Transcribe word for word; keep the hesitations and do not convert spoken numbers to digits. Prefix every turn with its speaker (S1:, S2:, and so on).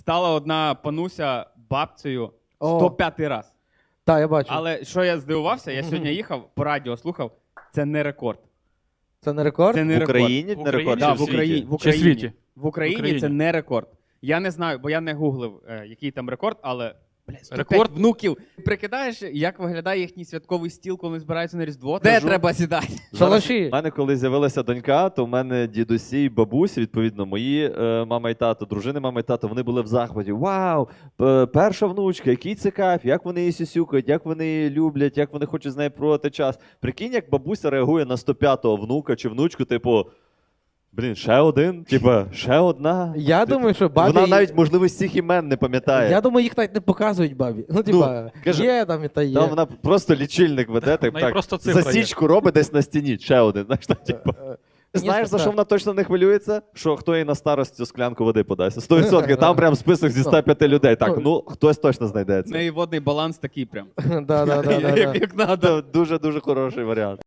S1: Стала одна пануся бабцею
S2: О.
S1: сто п'ятий раз.
S2: Так, я бачу.
S1: Але що я здивувався, я сьогодні їхав, по радіо слухав, це не рекорд.
S2: Це не рекорд?
S1: Це не
S3: В
S1: рекорд.
S3: Україні
S4: В
S3: не рекорд,
S1: Да,
S3: чи
S1: в
S3: в
S1: Україні.
S3: світі?
S1: В
S4: Чи в
S1: Україні.
S4: світі?
S1: В Україні,
S4: В Україні.
S1: це не рекорд. Я не знаю, бо я не гуглив, е, який там рекорд, але бля, сто п'ять
S4: Рекорд?
S1: внуків. Прикидаєш, як виглядає їхній святковий стіл, коли збираються на Різдво? Де
S3: Кажу.
S1: треба сідати?
S2: Шалаші.
S3: У мене коли з'явилася донька, то в мене дідусі і бабусі, відповідно, мої е, мама і тато, дружини мама і тато, вони були в захваті. Вау, п- перша внучка, який це кайф, як вони її сюсюкають, як вони її люблять, як вони хочуть з нею проводити час. Прикинь, як бабуся реагує на сто п'ятого внука чи внучку, типу, блін, ще один, типа, ще одна.
S2: Я
S3: Типу,
S2: думаю, що бабі...
S3: Вона навіть, можливо, всіх імен не пам'ятає.
S2: Я думаю, їх навіть не показують бабі. Ну, типа,
S3: каже,
S2: є там і та є.
S3: Там вона просто лічильник веде, так,
S4: В неї
S3: так
S4: просто цифра є.
S3: засічку робить десь на стіні, ще один. Знаєш, там, типу.
S2: Е,
S3: Знаєш, за
S2: так.
S3: що вона точно не хвилюється? Що хто їй на старості склянку води подасть. сто відсотків. Там прям список зі ста п'яти людей. Так, ну, хтось точно
S1: В
S3: знайдеться.
S1: неї водний баланс такий прям.
S2: Да, да, да, да, да.
S1: Як, як надо.
S3: Це дуже-дуже хороший варіант.